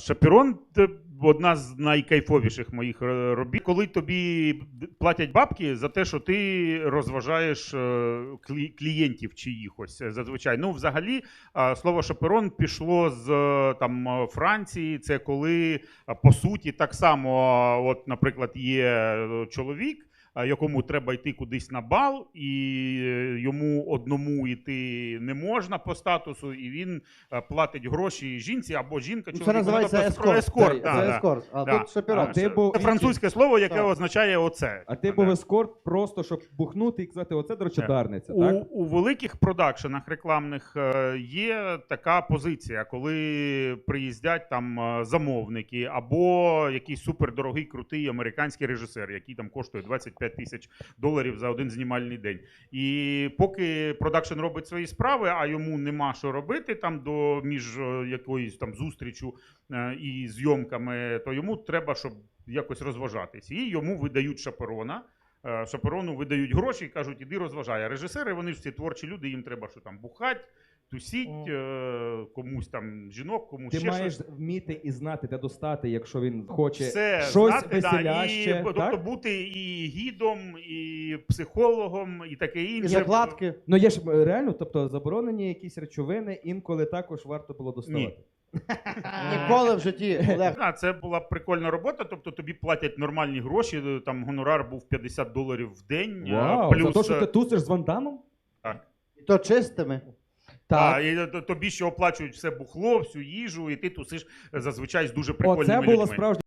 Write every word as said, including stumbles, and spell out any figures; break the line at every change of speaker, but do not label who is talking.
Шаперон – одна з найкайфовіших моїх робіт. Коли тобі платять бабки за те, що ти розважаєш клієнтів чиїхось зазвичай. Ну, взагалі, слово шаперон пішло з там, Франції. Це коли, по суті, так само, от, наприклад, є чоловік, якому треба йти кудись на бал, і йому одному йти не можна по статусу, і він платить гроші жінці або жінка.
Це називається ескорт.
ескорт.
Це
Да,
ескорт, а
да.
тут шаперон.
А ти був-
Це французьке слово, яке
Так.
означає оце.
А ти був ескорт просто, щоб бухнути і казати, оце, до речі, дарниця,
У,
так?
у великих продакшенах рекламних е, є така позиція, коли приїздять там е, замовники або якийсь супердорогий, крутий американський режисер, який там коштує двадцять п'ять тисяч доларів за один знімальний день. І поки продакшн робить свої справи, а йому нема що робити там до між е, якоюсь там зустрічю е, і зйомками, то йому треба, щоб якось розважатись. І йому видають шаперона. Е, Шаперону видають гроші і кажуть, іди розважай. А режисери, вони ж всі творчі люди, їм треба що там бухать, тусіть, е, комусь там жінок, комусь
Ти
ще
маєш
щось.
вміти і знати, де достати, якщо він хоче
Все
щось
знати,
веселяще,
да, і, тобто
так?
бути і гідом, і психологом, і таке
І
інше.
закладки.
Ну є ж е, реально, тобто заборонені якісь речовини, інколи також варто було доставати.
Ніколи в житті, Олег.
Да, це була прикольна робота, тобто тобі платять нормальні гроші, там гонорар був п'ятдесят доларів в день.
Вау,
плюс,
за те, що ти тусиш з Ван Дамом?
так.
І то чистими.
Так, і тобі ще оплачують все бухло, всю їжу, і ти тусиш зазвичай з дуже прикольними
Оце
людьми.
була справжня